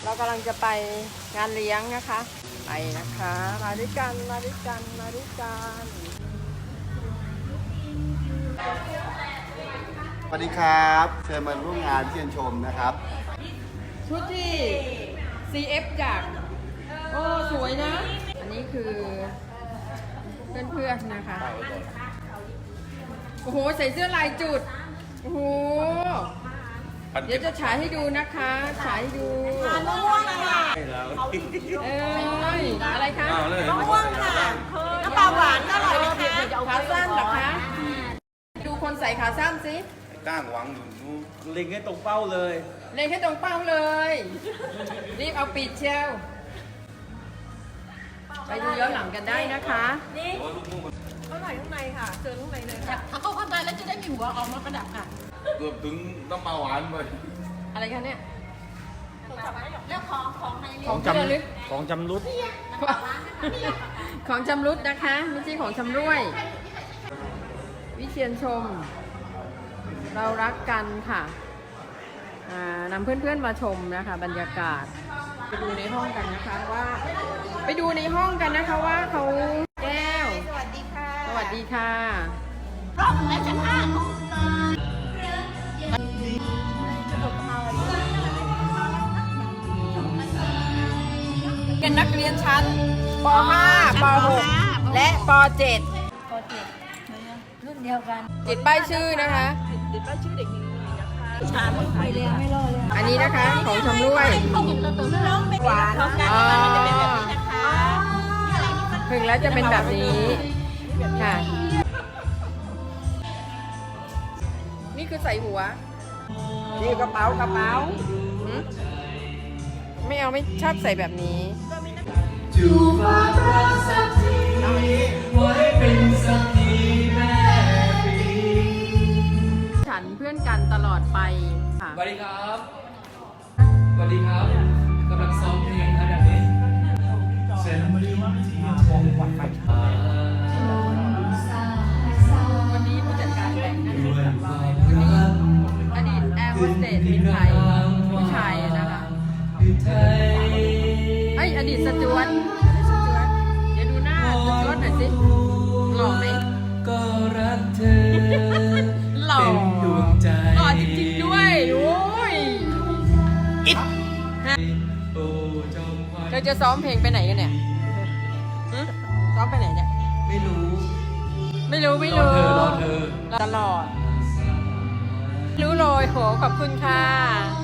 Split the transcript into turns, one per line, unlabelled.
เรากำลังจะไปงานเลี้ยงนะคะไปนะคะมาด้วยกันมาด้วยกันมาด้วยกัน
สวัสดีครับเชิญมาร่วมงานเชียนชมนะครับ
ชุดที่ CF จากโอ้สวยนะ อันนี้คือเพื่อนๆนะคะโอ้โหใส่เสื้อลายจุดโอ้โหเดี๋ยวจะฉายให้ดูนะคะฉายให้ดูมะม่วงค่ะอะไรคะมะม่วงค่ะน้ำปลาหวานก็อร่อยนะคะขาสั้นเหรอคะดูคนใส่ขาสั้นสิ
ก้างหวังอยู่นู้น
เล็งให้ตรงเป้าเลย
เล็งให้ตรงเป้าเลยรีบเอาปิดเชียวไปดูย้อนหลังกันได้นะคะนี่เขาใส่ข้างในค่ะเจอข้างในเลยค่ะ
ถ้าเข้าข้างในแล้วจะได้มีหัวออกมาประดับค่ะ
เกือบถึงน้ำปลาหวานเลย
อะไรคะเนี่ย
แล้วของใน
ของจำลึก
ของจำรุด
ของจำรุดนะคะไม่ใช่ของชำร่วย วิเชียนชม เรารักกันค่ะนำเพื่อนๆมาชมนะคะบรรยากาศไปดูในห้องกันนะคะว่าไปดูในห้องกันนะคะว่าเขาแก้วสวัสดีค่ะสวัสดีค่ะ
รอบและชั้นห้า
เป็นนักเรียนชั้นป .5 ป .6 และป .7
รุ่นเดียวกัน
ติดป้ายชื่อนะคะ
ถามไปเลยไม่รอเลย
อันนี้นะคะของชำร่วย
เขาเห็นเราตัวน้องหวานเขากัน
อ๋อ
มันจะเป็นแบบนี้นะคะ
ถึงแล้วจะเป็นแบบนี้ค่ะนี่คือใส่หัวนี่กระเป๋หืมไม่เอาไม่ชอบใส่แบบนี้ฉันเพื่อนกันตลอดไปค่ะ
สวัสดีครับ สวัสดีครับกำลังซ้อมเพลงขนาดนี้เสร็จวันนี้
ผู้จัดการแบงค์นะคะวันนี้อดีตแอร์โฮสเตสมีใครผู้ชายอะนะคะเอ้ยอดีตสจวตเดี๋ยวดูหน้าสจวตหน่อยสิหล่อไหม
ก็รักเธอ
หล่อ
เป็นดวงใจ
หล่อจริงๆด้วยโอ้ยอิด
โอ้เจ้าควาย
เราจะซ้อมเพลงไปไหนกันเนี่ยหึซ้อมไปไหนเนี่ย
ไม่รู้
ไม่รู้
รอเธอ
ตลอด รู้เลยโหขอบคุณค่ะ